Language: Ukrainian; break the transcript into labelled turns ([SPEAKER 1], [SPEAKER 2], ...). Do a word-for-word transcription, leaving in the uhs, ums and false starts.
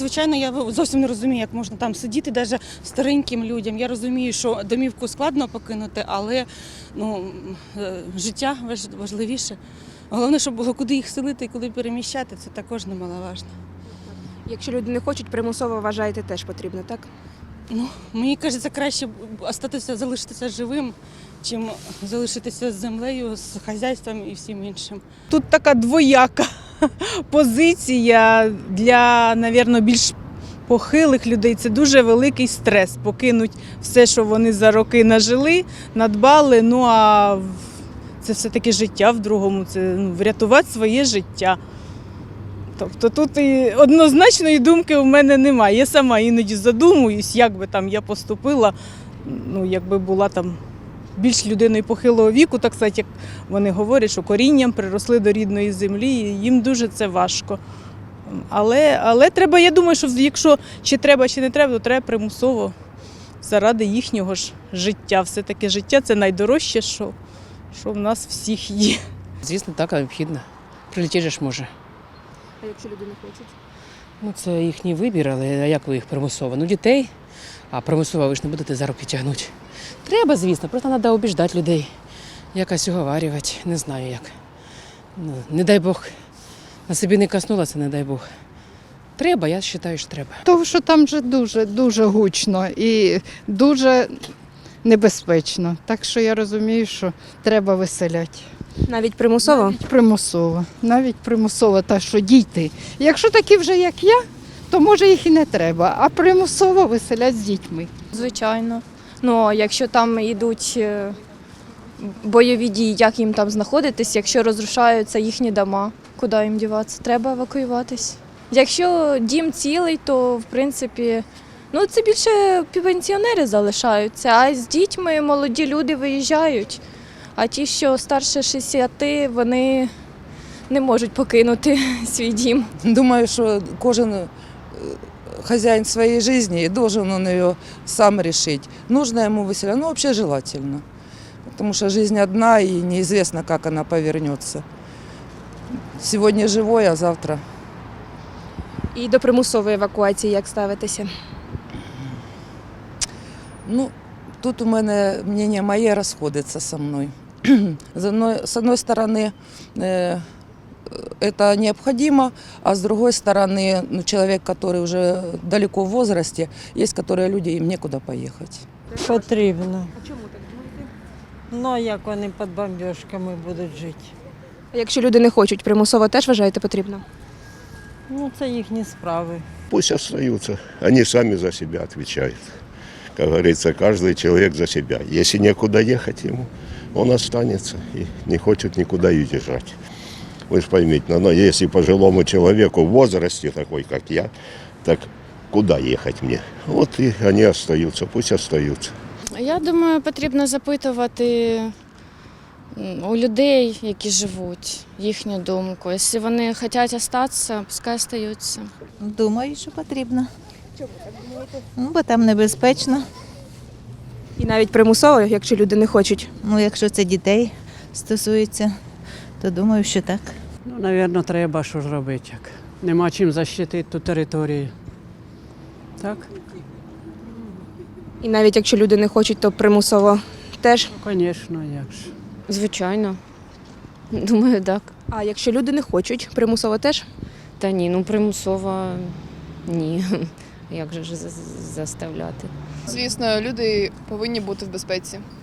[SPEAKER 1] звичайно, я зовсім не розумію, як можна там сидіти, навіть стареньким людям. Я розумію, що домівку складно покинути, але ну, життя важливіше. Головне, щоб було куди їх селити і куди переміщати, це також немаловажно.
[SPEAKER 2] Якщо люди не хочуть, примусово, вважаєте, теж потрібно, так?
[SPEAKER 1] Ну, мені кажеться, краще остатися, залишитися живим, чим залишитися з землею, з хазяйством і всім іншим.
[SPEAKER 3] Тут така двояка позиція для, мабуть, більш похилих людей. Це дуже великий стрес покинуть все, що вони за роки нажили, надбали. Ну а це все-таки життя в другому, це ну, врятувати своє життя. Тобто тут і однозначної думки у мене немає. Я сама іноді задумуюсь, як би там я поступила, ну, якби була там більш людиною похилого віку, так сказати, як вони говорять, що корінням приросли до рідної землі, і їм дуже це важко. Але, але треба, я думаю, що якщо чи треба, чи не треба, то треба примусово заради їхнього ж життя. Все-таки життя – це найдорожче, що, що в нас всіх є.
[SPEAKER 4] Звісно, так, необхідно. Прилетіти ж може.
[SPEAKER 2] А якщо люди не хочуть?
[SPEAKER 4] Ну, це їхній вибір, але як ви їх примусово? Ну, дітей, а примусово ви ж не будете за руки тягнути. Треба, звісно, просто треба обіждати людей, якось уговарювати, не знаю як. Ну, не дай Бог, на собі не коснулося, не дай Бог. Треба, я вважаю, що треба.
[SPEAKER 5] Тому що там вже дуже, дуже гучно і дуже небезпечно. Так що я розумію, що треба виселяти.
[SPEAKER 2] Навіть примусово?
[SPEAKER 5] Навіть примусово. Навіть примусово, так що діти. Якщо такі вже, як я, то може їх і не треба, а примусово виселять з дітьми.
[SPEAKER 6] Звичайно. Ну, а якщо там йдуть е, бойові дії, як їм там знаходитись, якщо розрушаються їхні дома, куди їм діватися? Треба евакуюватись. Якщо дім цілий, то в принципі, ну це більше пенсіонери залишаються, а з дітьми молоді люди виїжджають. А ті, що старше шістдесят, вони не можуть покинути свій дім.
[SPEAKER 7] Думаю, що кожен хозяин своей жизни и должен он ее сам решить. Нужно ему выселять, ну вообще желательно. Потому что жизнь одна и неизвестно, как она повернется. Сегодня живой, а завтра.
[SPEAKER 2] І до примусової евакуації як ставитися?
[SPEAKER 7] Ну, тут у мене мнение моє расходится со мной. С одной, с одной стороны, э, это необходимо, а с другой стороны, ну, человек, который уже далеко в возрасте, есть которые люди, им некуда поехать.
[SPEAKER 8] Потрібно.
[SPEAKER 2] А чому так думаєте?
[SPEAKER 8] Ну, а як вони під бомбіжками будуть жити?
[SPEAKER 2] А якщо люди не хочуть, примусово теж вважаєте потрібно?
[SPEAKER 8] Ну, це їхні справи.
[SPEAKER 9] Пусть остаются. Они сами за себя отвечают. Как говорится, каждый человек за себя. Если некуда ехать ему, он останется и не хочет никуда уезжать. Вы же поймите, но если пожилому человеку в возрасте такой, как я, так куда ехать мне? Вот и они остаются, пусть остаются.
[SPEAKER 10] Я думаю, потрібно запитувати у людей, які живуть, їхню думку. Якщо вони хочуть залишитися, пускай залишаються.
[SPEAKER 11] Думаю, що потрібно. Чому так думаєте? Ну, бо там небезпечно.
[SPEAKER 2] І навіть примусово, якщо люди не хочуть?
[SPEAKER 11] Ну, якщо це дітей стосується, то думаю, що так.
[SPEAKER 8] Ну, мабуть, треба, що ж робити. Як. Нема чим захистити ту територію. Так?
[SPEAKER 2] І навіть якщо люди не хочуть, то примусово теж?
[SPEAKER 8] Ну, звісно, як ж.
[SPEAKER 10] Звичайно. Думаю, так.
[SPEAKER 2] А якщо люди не хочуть, примусово теж?
[SPEAKER 10] Та ні, ну примусово ні. Як же ж заставляти?
[SPEAKER 12] Звісно, люди повинні бути в безпеці.